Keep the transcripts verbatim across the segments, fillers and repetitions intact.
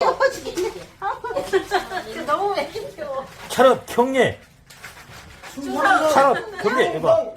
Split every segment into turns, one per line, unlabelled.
너무 맥혀.
차렷 경례. 차렷 경례 해봐.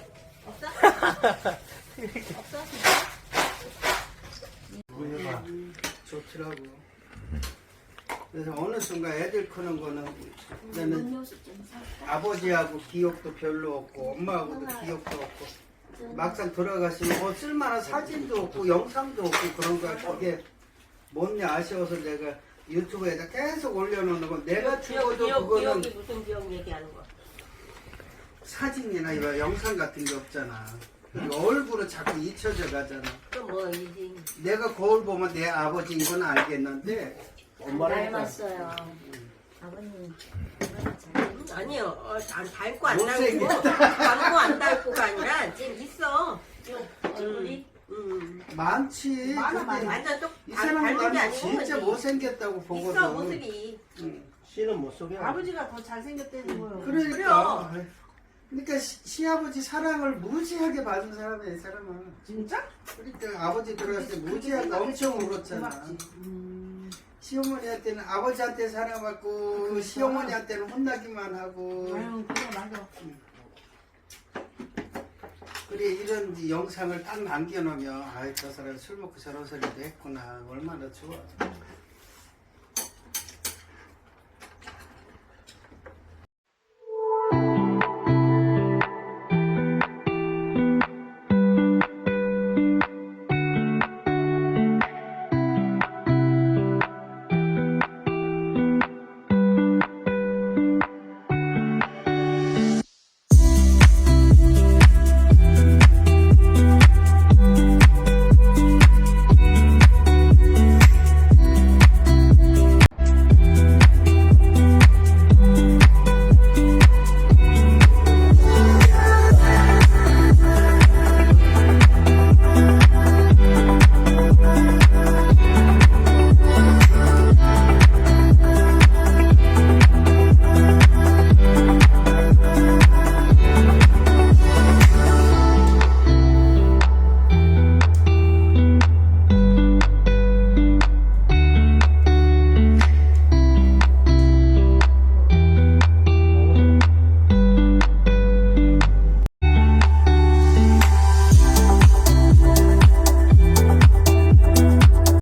좋더라고. 그래서 어느 순간 애들 크는 거는 나는 아버지하고 기억도 별로 없고 엄마하고도 기억도 없고 막상 돌아가시면 뭐 쓸만한 사진도 없고 영상도 없고 그런 거야. 그게 뭔냐 아쉬워서 내가 유튜브에다 계속 올려놓는 건 내가 죽어도
기억,
그거는
기억이 무슨 기억 얘기하는 거야?
사진이나 이런 영상 같은 게 없잖아. 그리고 얼굴은 자꾸 잊혀져 가잖아.
그럼 뭐 이제
내가 거울 보면 내 아버지인 건 알겠는데
닮았어요. 아버님.
아니요. 어, 안 닮고 안 닮고
못생겼다.
닮고 안 닮고가 아니라 지금 있어.
얼굴이?
음.
많지.
많아,
근데
많아.
완전 또
이
닮은
사람은
게
나는
아니고
진짜
그지?
못생겼다고 보거든.
있어 모습이.
응.
씨는 못 속여.
아버지가 더 잘생겼다는 거예요.
그러니까. 그러니까 시, 시아버지 사랑을 무지하게 받은 사람이야, 이 사람은.
진짜?
그러니까 아버지 들어갔을 때 무지하게 엄청 울었잖아.
음.
시어머니한테는 아버지한테 사랑받고
그러니까.
시어머니한테는 혼나기만 하고.
아유, 그래, 맞아.
그래 이런 영상을 딱 남겨놓으면 아이 저 사람 술 먹고 저런 소리도 했구나 얼마나 좋아.